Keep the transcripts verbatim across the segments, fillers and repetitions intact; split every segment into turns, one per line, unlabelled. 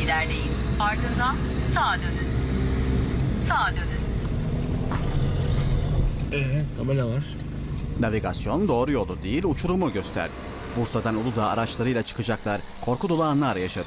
ilerleyin. Ardından sağa dönün. Sağa dönün.
Ee, tabela var.
Navigasyon doğru yolu değil, uçurumu gösterdi. Bursa'dan Uludağ araçlarıyla çıkacaklar, korku dolu anlar yaşadı.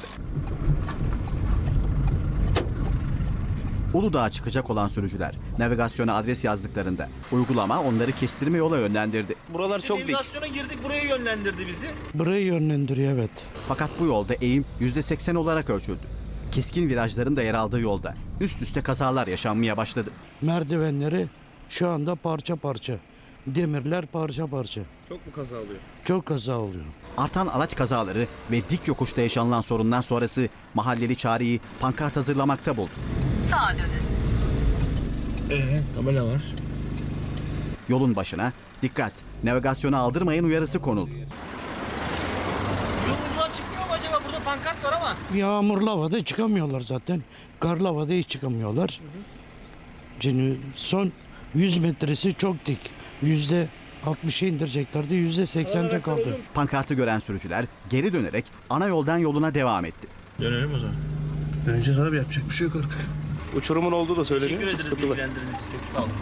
Uludağ'a çıkacak olan sürücüler navigasyona adres yazdıklarında uygulama onları kestirme yola yönlendirdi.
Buralar çok dik.
Navigasyona girdik, buraya yönlendirdi bizi.
Burayı yönlendiriyor, evet.
Fakat bu yolda eğim yüzde seksen olarak ölçüldü. Keskin virajların da yer aldığı yolda üst üste kazalar yaşanmaya başladı.
Merdivenleri şu anda parça parça. Demirler parça parça.
Çok mu kaza oluyor?
Çok kaza oluyor.
Artan araç kazaları ve dik yokuşta yaşanılan sorunlar sonrası mahalleli çareyi pankart hazırlamakta buldu.
Sağa dönün.
Ee, tabela var.
Yolun başına dikkat, navigasyona aldırmayın uyarısı konuldu.
Yolundan çıkmıyor mu acaba? Burada pankart var ama.
Yağmurlu havada çıkamıyorlar zaten. Karlı havada hiç çıkamıyorlar. Şimdi son yüz metresi çok dik. Yüzde altmışa indireceklerdi. Yüzde seksende kaldı.
Pankartı gören sürücüler geri dönerek ana yoldan yoluna devam etti.
Dönelim o zaman.
Döneceğiz abi, yapacak bir şey yok artık.
Uçurumun olduğu da söyleniyor.
Teşekkür ederiz
Sıkıntılı.
bilgilendirdiğiniz için. Çok sağ olun.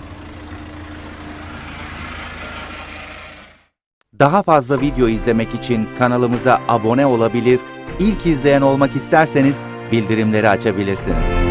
Daha fazla video izlemek için kanalımıza abone olabilir, ilk izleyen olmak isterseniz bildirimleri açabilirsiniz.